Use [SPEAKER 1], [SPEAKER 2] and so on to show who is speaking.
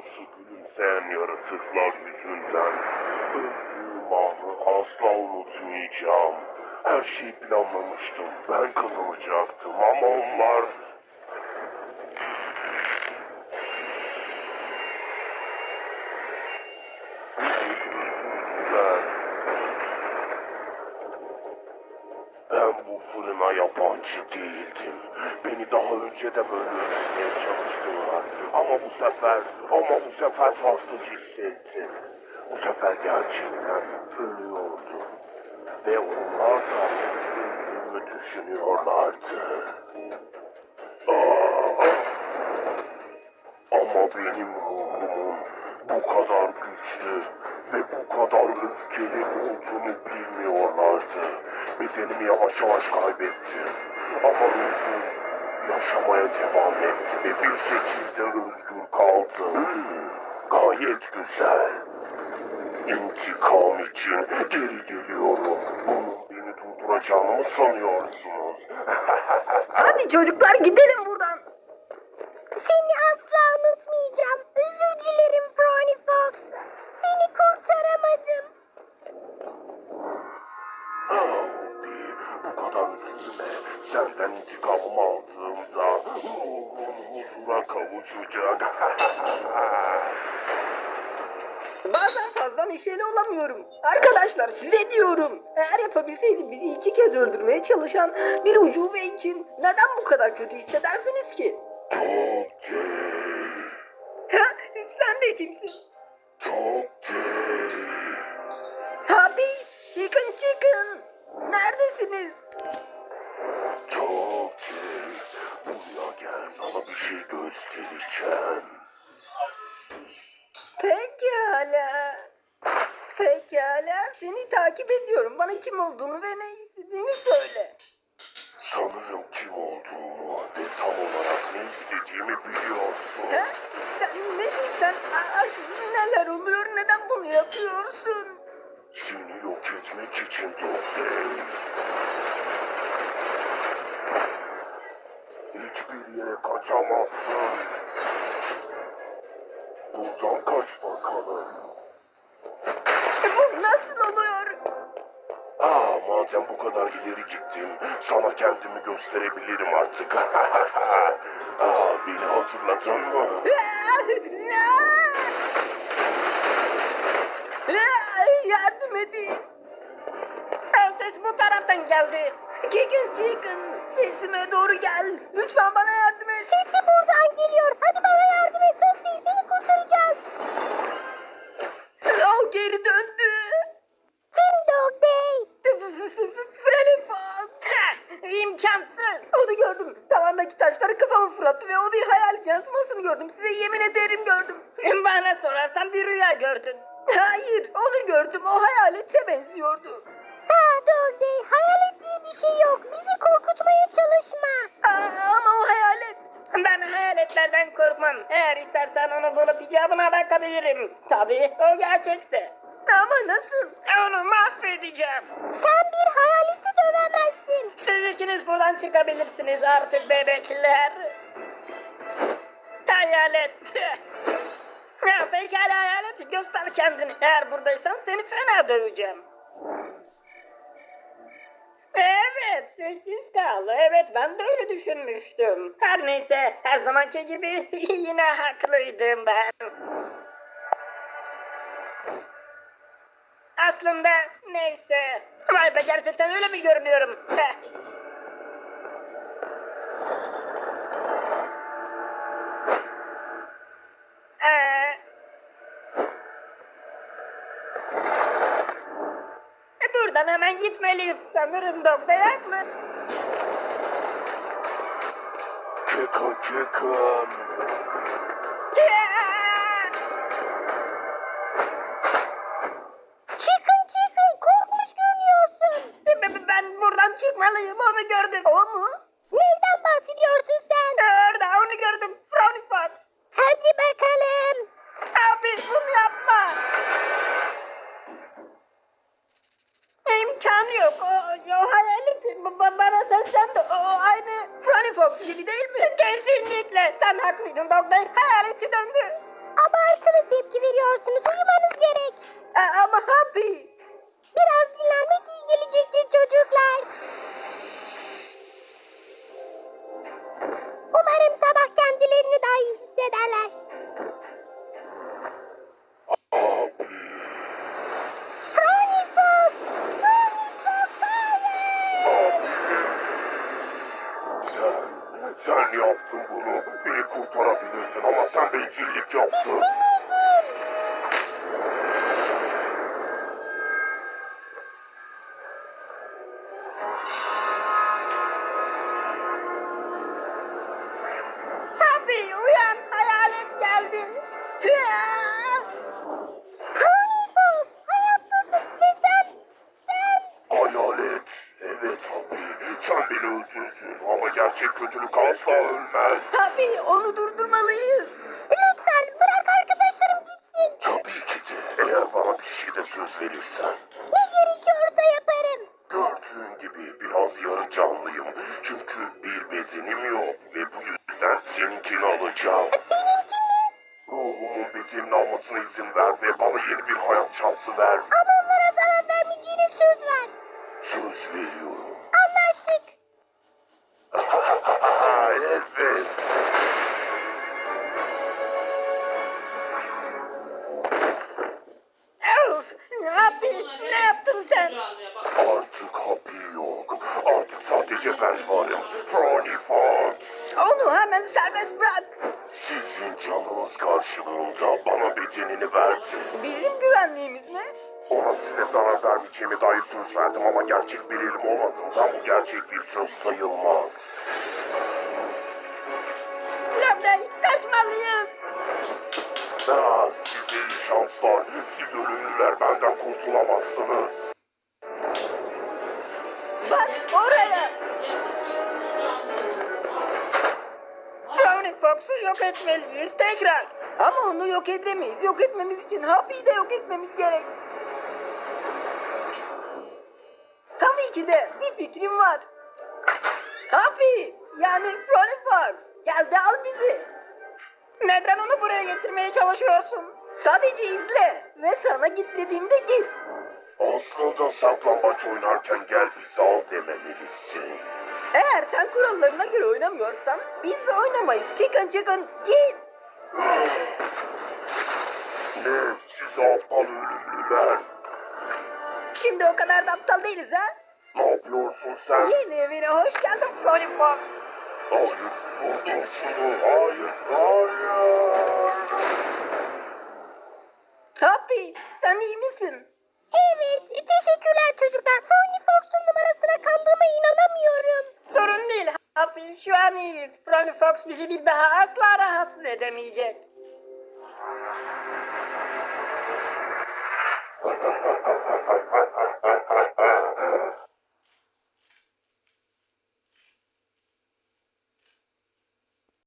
[SPEAKER 1] Burası gülümseyen yaratıklar yüzünden. Öldüğüm anı asla unutmayacağım. Her şeyi planlamıştım. Ben kazanacaktım ama onlar... Ben bu fırına yabancı değildim. Beni daha önce de böyle öldürmeye çalıştılar. Ama bu sefer farklı hissettim. Bu sefer gerçekten ölüyordum. Ve onlar da öldüğümü düşünüyorlardı. Ama benim ruhumun bu kadar güçlü ve bu kadar öfkeli olduğunu bilmiyorlardı. Bedenimi yavaş yavaş kaybettim. Ama ruhum yaşamaya devam etti ve bir şekilde özgür kaldım. Gayet güzel. İntikam için geri geliyorum. Bunun beni durduracağını mı sanıyorsunuz?
[SPEAKER 2] Hadi çocuklar gidelim buradan.
[SPEAKER 3] Seni asla unutmayacağım. Özür dilerim Brownie Fox. Seni kurtaramadım.
[SPEAKER 1] Bu kadar üzülme. Senden intikamımı aldığımda ruhum huzura kavuşacak.
[SPEAKER 2] Bazen fazla neşeli olamıyorum. Arkadaşlar size diyorum. Eğer yapabilseydi bizi 2 kez öldürmeye çalışan bir ucube için neden bu kadar kötü hissedersiniz ki?
[SPEAKER 1] Çok değil.
[SPEAKER 2] Ha, sen de kimsin?
[SPEAKER 1] Çok değil.
[SPEAKER 2] Abi, çıkın. Neredesiniz?
[SPEAKER 1] Çok değil. Buraya gel, sana bir şey göstereceğim.
[SPEAKER 2] Pekala. Seni takip ediyorum. Bana kim olduğunu ve ne istediğini söyle.
[SPEAKER 1] Sanırım kim olduğumu ve tam olarak ne istediğimi biliyorsun.
[SPEAKER 2] Ha? Sen nesin sen? Neler oluyor? Neden bunu yapıyorsun?
[SPEAKER 1] Seni yok etmek için Doktor. Hiçbir yere kaçamazsın. Buradan kaç bakalım.
[SPEAKER 2] Bu nasıl oluyor?
[SPEAKER 1] Madem bu kadar ileri gittim, sana kendimi gösterebilirim artık. Beni hatırladın mı?
[SPEAKER 2] Yardım edin.
[SPEAKER 4] O ses bu taraftan geldi.
[SPEAKER 2] Chicken, sesime doğru gel. Lütfen bana yardım et.
[SPEAKER 3] Sesi buradan geliyor. Hadi bana yardım et. Söz değil, seni kurtaracağız.
[SPEAKER 2] O geri döndü.
[SPEAKER 3] Kim Dog Day?
[SPEAKER 2] Freddy Fox.
[SPEAKER 4] İmkansız.
[SPEAKER 2] Onu gördüm. Tavandaki taşları kafama fırlattı ve o bir hayal yansımasını gördüm. Size yemin ederim gördüm.
[SPEAKER 4] Bana sorarsan bir rüya gördün.
[SPEAKER 2] Hayır, onu gördüm. O hayalete benziyordu.
[SPEAKER 3] Dog Day. Hayalet diye bir şey yok. Bizi korkutmaya çalışma.
[SPEAKER 2] Ama o hayalet.
[SPEAKER 4] Ben hayaletlerden korkmam. Eğer istersen onu bulup icabına bakabilirim. Tabii o gerçekse.
[SPEAKER 2] Ama nasıl?
[SPEAKER 4] Onu mahvedeceğim.
[SPEAKER 3] Sen bir hayaleti dövemezsin.
[SPEAKER 4] Siz ikiniz buradan çıkabilirsiniz artık bebekler. Hayalet. Ya pekala hayalet, göster kendini. Eğer buradaysan seni fena döveceğim. Evet, sessiz kal. Evet, ben de öyle düşünmüştüm. Her neyse, her zamanki gibi yine haklıydım ben. Aslında neyse. Vay be, gerçekten öyle mi görünüyorum? Heh. Buradan hemen gitmeliyim. Sanırım doktor haklı.
[SPEAKER 1] Kıkın.
[SPEAKER 3] Çıkın. Korkmuş görünüyorsun.
[SPEAKER 4] Ben buradan çıkmalıyım, onu gördüm.
[SPEAKER 2] O mu?
[SPEAKER 3] Neyden bahsediyorsun sen?
[SPEAKER 4] Orada onu gördüm. Frowny Fox.
[SPEAKER 3] Hadi bakalım.
[SPEAKER 4] Abi bunu yapma. İmkanı yok. O hayalet bana seslendi. O aynı.
[SPEAKER 2] Franny Fox gibi değil mi?
[SPEAKER 4] Kesinlikle. Sen haklıydın doktor. Hayaleti döndü.
[SPEAKER 3] Abartılı tepki veriyorsunuz. Uyumanız gerek.
[SPEAKER 2] Ama Happy.
[SPEAKER 3] Biraz dinlenmek iyi gelecektir çocuklar. Umarım sabah kendilerini daha iyi hissederler. Frony Fox! Frony Fox, hayır!
[SPEAKER 1] Sen yaptın bunu. Beni kurtarabilirdin ama sen bencillik yaptın.
[SPEAKER 4] Happy uyan, hayalet geldi.
[SPEAKER 3] Frony Fox, hayattasın ve sen...
[SPEAKER 1] Hayalet. Evet abi. Sen beni öldürdün ama gerçek kötülük asla ölmez.
[SPEAKER 2] Happy, onu durdurmalıyız.
[SPEAKER 3] Lütfen bırak arkadaşlarım gitsin.
[SPEAKER 1] Tabii ki de. Eğer bana bir şeyde söz verirsen.
[SPEAKER 3] Ne gerekiyorsa yaparım.
[SPEAKER 1] Gördüğün gibi biraz yarı canlıyım. Çünkü bir bedenim yok ve bu yüzden seninkini alacağım.
[SPEAKER 3] Benimki mi?
[SPEAKER 1] Ruhumun bedenini almasına izin ver ve bana yeni bir hayat şansı ver.
[SPEAKER 3] Ama onlara zarar vermeyeceğine söz ver.
[SPEAKER 1] Söz veriyorum.
[SPEAKER 3] Anlaştık.
[SPEAKER 1] Evet.
[SPEAKER 4] Of, Happy ne yaptın sen?
[SPEAKER 1] Artık Happy yok. Artık sadece ben varım. Frony Fox.
[SPEAKER 2] Onu hemen serbest bırak.
[SPEAKER 1] Sizin canınız karşılığında bana bedenini verdi.
[SPEAKER 2] Bizim güvenliğimiz mi?
[SPEAKER 1] Ona size zarar vermeyeceğime dair söz verdim ama gerçek bir elim olmadığından bu gerçek bir söz sayılmaz.
[SPEAKER 4] Lomden kaçmalıyız.
[SPEAKER 1] Size iyi şanslar. Siz ölümlüler benden kurtulamazsınız.
[SPEAKER 2] Bak oraya.
[SPEAKER 4] Frowny Fox'u yok etmeliyiz tekrar.
[SPEAKER 2] Ama onu yok edemeyiz. Yok etmemiz için Happy'yi de yok etmemiz gerek. Tabii ki de bir fikrim var. Happy, yani Frony Fox, gel de al bizi.
[SPEAKER 4] Neden onu buraya getirmeye çalışıyorsun?
[SPEAKER 2] Sadece izle ve sana git dediğimde git.
[SPEAKER 1] Aslında saklambaç oynarken gel bizi al dememelisin.
[SPEAKER 2] Eğer sen kurallarına göre oynamıyorsan biz de oynamayız. Çıkın git.
[SPEAKER 1] Ne? Siz aptal ölümlüler.
[SPEAKER 2] Şimdi o kadar da aptal değiliz ha.
[SPEAKER 1] Ne yapıyorsun sen?
[SPEAKER 2] Yeni evine hoş geldin Frony Fox.
[SPEAKER 1] Hayır, durdur şunu. Hayır.
[SPEAKER 2] Happy, sen iyi misin?
[SPEAKER 3] Evet, teşekkürler çocuklar. Frony Fox'un numarasına kandığıma inanamıyorum.
[SPEAKER 4] Sorun değil Happy, şu an iyiyiz. Frowny Fox bizi bir daha asla rahatsız edemeyecek.